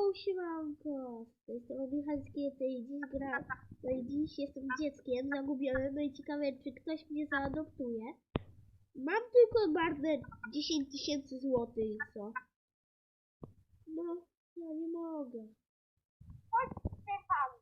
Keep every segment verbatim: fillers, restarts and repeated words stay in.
siemanko, to jest Michalskie, to i dziś gra, to i dziś jestem dzieckiem zagubionym, no i ciekawe, czy ktoś mnie zaadoptuje. Mam tylko marne dziesięć tysięcy złotych i co? No, ja nie mogę. Chodź, Stefan.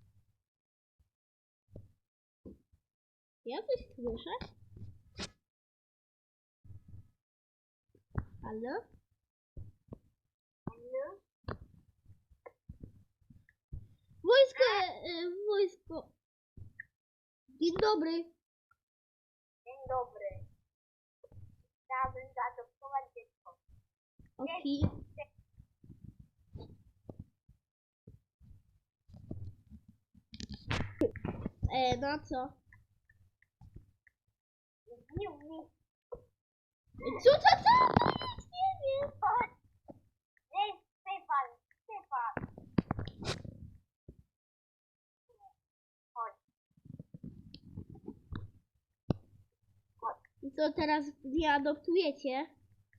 Ja coś słyszę? Halo? Halo? Wojsko, e, wojsko. Dzień dobry. Dzień dobry. Chciałabym zaadoptować dziecko. Okej. E, no co? Nie umiem. Co, co, co? Nic nie wiem. Chodź. Nie, Stefan. Stefan. Chodź. Chodź. I co teraz mnie adoptujecie?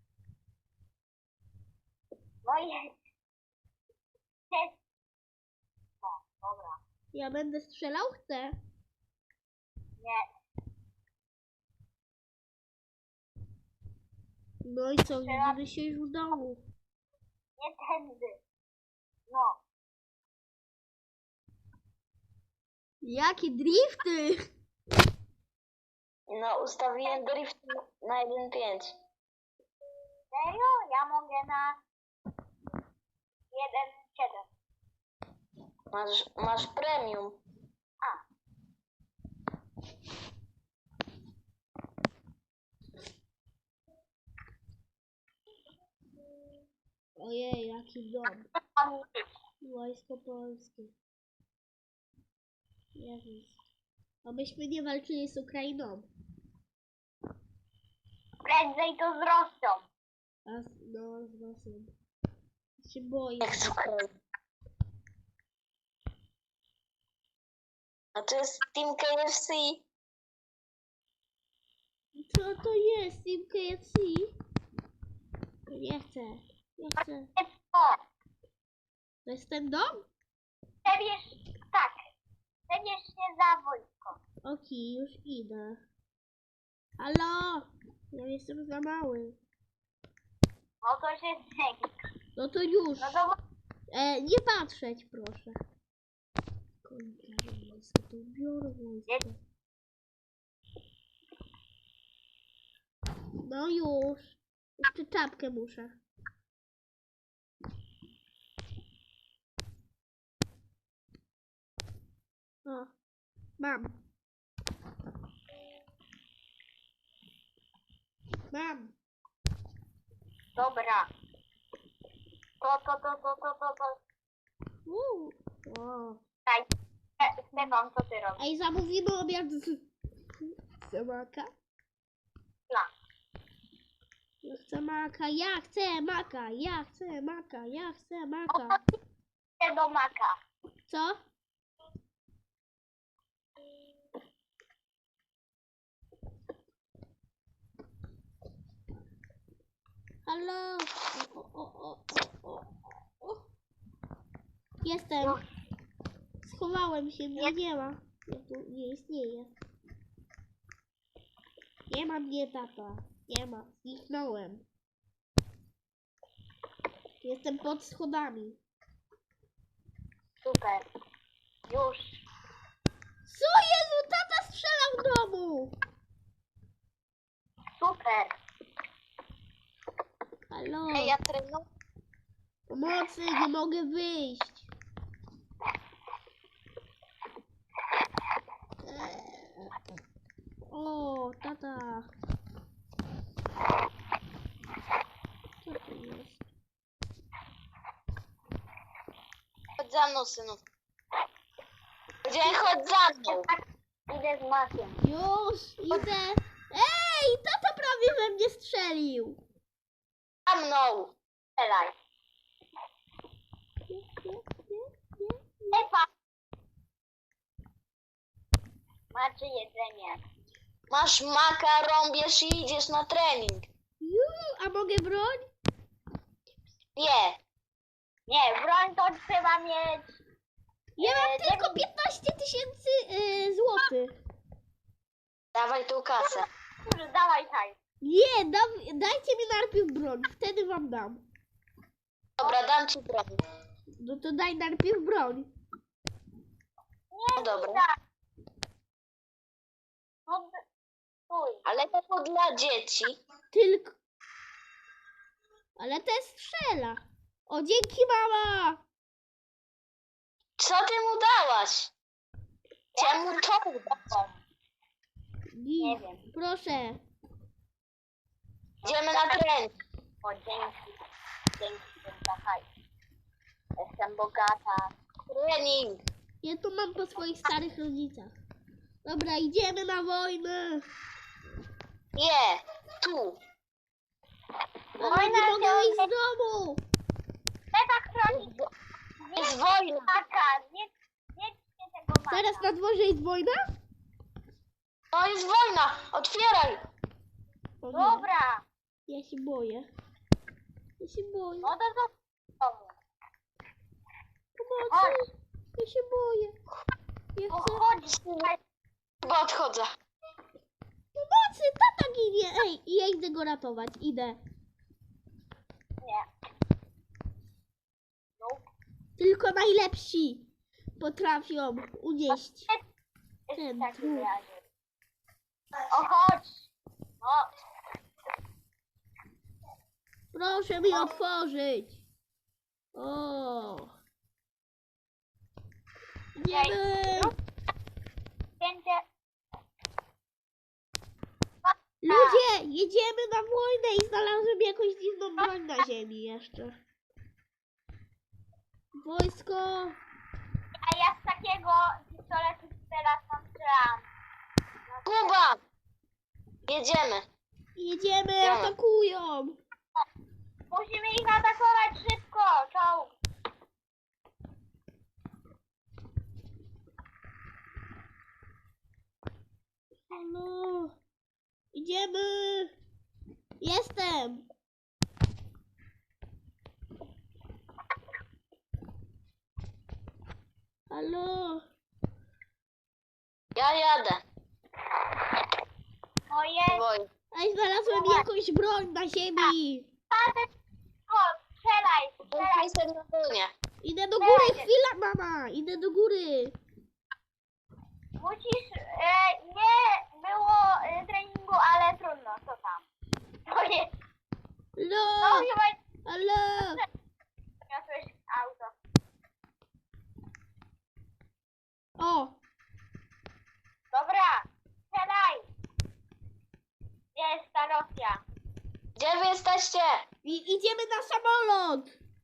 No jest. Jest. No, dobra. Ja będę strzelał? Chcę. Nie. No i co? Widzimy się już w domu. Nie tędy. No. Jakie drifty! No, ustawiłem drift na jeden pięć. Serio? Ja mogę na jeden siedem. Masz, masz premium. A. Ojej, jaki dom. Tam Wojsko Polskie. Jezus. A myśmy nie walczyli z Ukrainą. prędzej to z Rosją. A z, no, z Rosją. Się boję. Jak z Ukrainy. A to jest Team K F C. Co to jest? Team K F C? Nie chcę. Nie chcę. O, To jest ten dom? przebierz, tak. Przebierz się za wojsko. Okej, już idę. Halo! Ja jestem za mały. No to się zmieni. No to już. No to E, nie patrzeć, proszę. Kończę wojsko, to biorę wojsko. No już. Jeszcze czapkę muszę. O, mam. Mam. dobra. To, to, to, to, to, to, to. Uuu. O. Daj. E, Stefan, co ty robisz? Ej, zamówimy obiad z... z maka. Plan. Ja chcę maka, ja chcę maka, ja chcę maka, ja chcę O, maka. to idę do maka. Co? Halo? O, o, o, o, o, o. Jestem. Schowałem się, mnie nie ma. Ja tu nie istnieje. Nie ma mnie, tata. Nie ma. Zniknąłem. Jestem pod schodami. Super. Już. Co Jezu? Tata strzela w domu! Super. Halo? Ej, ja trenuję. Pomocy, nie mogę wyjść. Eee. O, tata. Co to jest? Chodź za mną, synu. Powiedziałem, chodź za mną. Idę z makiem. Już, idę. Ej, tata prawie we mnie strzelił. Za mną. Strzelaj. Nie, nie, nie, nie. Stefan. Macie jedzenie. Masz maka, rąbiesz i idziesz na trening. Ju, a mogę broń? Nie. Nie. Nie, broń to trzeba mieć. Ja mam E, tylko dziewięć- piętnaście tysięcy y, złotych. Dawaj tu kasę. Dobrze, dawaj hajs. Nie, da, dajcie mi najpierw broń, wtedy wam dam. Dobra, dam ci broń. No to daj najpierw broń. No dobra. Tak. No, d- stój. Ale to dla dzieci. Tylko... Ale ten strzela. O, dzięki mama! Co ty mu dałaś? Chciałem mu to dać. Nie wiem. Proszę. Idziemy na trening. O, dzięki. Dzięki za hajs. Jestem bogata. Trening. Ja to mam po swoich starych rodzicach. Dobra, idziemy na wojnę. Nie, tu. Mama, nie Wojna mogę się- iść z domu. Trzeba chronić. Jest wojna. Maka, nie, nie ćcie tego maka. Teraz na dworze jest wojna? No jest wojna. Otwieraj. O nie, Dobra. ja się boję. Ja się boję. No to do domu. Pomocy. Chodź. Ja się boję. Ja No chcę... chodź. Chyba odchodzę. Pomocy, tata ginie. Ej, i ja idę go ratować. Idę. Nie. No. Tylko najlepsi potrafią unieść. Jest Ten w takim trup. razie. O, chodź. No. Proszę mi otworzyć. O. Idziemy. Będzie. Ludzie, jedziemy na wojnę i znalazłem jakąś dziwną broń na ziemi jeszcze. Wojsko. A ja z takiego pistoletu teraz mam strzelam. Kuba. Jedziemy. Jedziemy, Idziemy. atakują. Musimy ich atakować szybko. Czołg. Halo. Idziemy. Jestem. Halo. Ja jadę. No jest. Wojna. Ej, znalazłem jakąś broń na ziemi. O, strzelaj, strzelaj. Jestem na wojnie. Idę do góry, chwila mama. Idę do góry. Musisz. E, nie było e, treningu, ale trudno. Co tam? To jest. No No. chyba Halo. niosłeś auto. O. Dobra. Strzelaj. Gdzie jest ta Rosja? Gdzie wy jesteście? I, idziemy na samolot.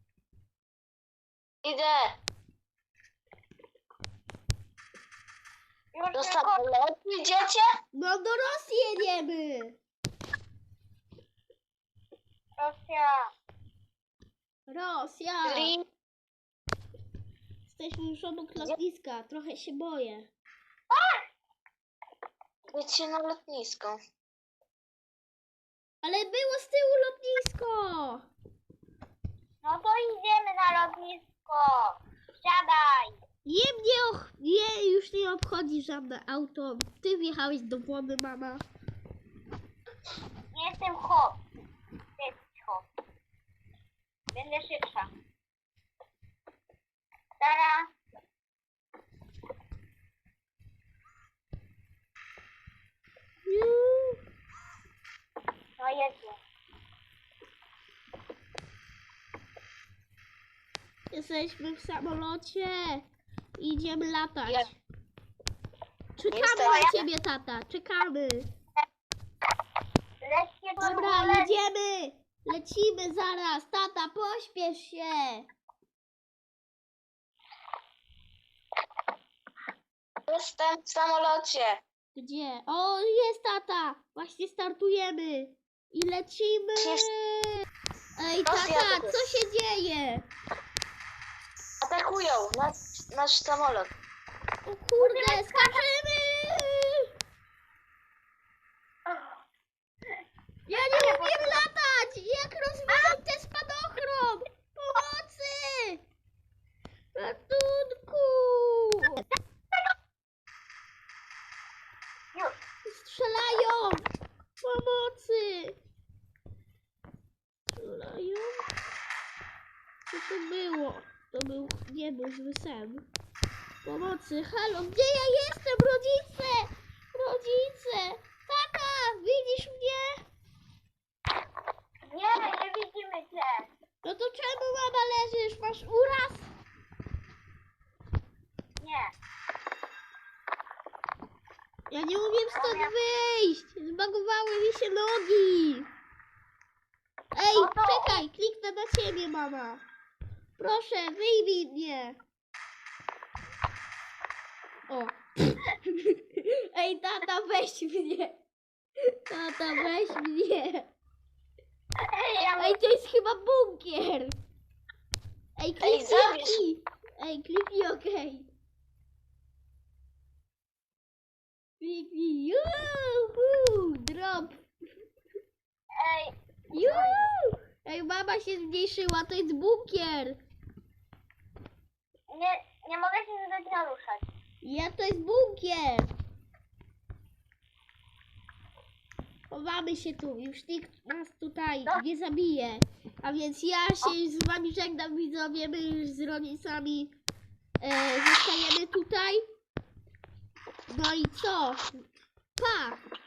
Idę. Już Do tylko. samolotu idziecie? No do Rosji jedziemy. Rosja. Rosja. Czyli Jesteśmy już obok lotniska. Trochę się boję. idźcie na lotnisko. Ale było z tyłu lotnisko. No to idziemy na lotnisko. Siadaj. Nie mnie och... Nie, już nie obchodzi żadne auto. Ty wjechałeś do wody, mama. Nie jestem hop. Ty jesteś hop. Będę szybsza. Tara. Juuu. No jedzie. Jesteśmy w samolocie. Idziemy latać. Ja- Czekamy Jestem- na ciebie, tata. Czekamy. Lećcie do Dobra, góry. jedziemy. Lecimy zaraz. Tata, pośpiesz się. Jestem w samolocie. Gdzie? O, jest tata. Właśnie startujemy. I lecimy. Ej, Rosja tata, tu co jest. się dzieje? Atakują nasz, nasz samolot. O kurde, skaczemy. Ja nie umiem latać. Jak rozwinąć ten spadochron? Pomocy. Co to było? To był, nie był zły sen. Pomocy, halo, gdzie ja jestem, rodzice? Rodzice! Tata, widzisz mnie? Nie, nie widzimy cię. No to czemu, mama, leżysz? Masz uraz? Nie. Ja nie umiem stąd wyjść! Zbagowały mi się nogi! Ej, No to- czekaj, kliknę na ciebie, mama. Proszę, wyjmij mnie. O. Ej, tata, weź mnie. Tata, weź mnie. Ej, ja Ej, to jest chyba bunkier. Ej, kliknij zabierz. OK. Ej, kliknij OK. Kliknij. Juhu, drop. Ej, Juhu. Ej, mama się zmniejszyła, to jest bunkier. nie, nie mogę się zadać naruszać. Ja, to jest bunkier. Chowamy się tu, już nikt nas tutaj No. nie zabije. A więc ja się z wami żegnam, widzowie, my już z rodzicami e, zostajemy tutaj. No i co? Pa!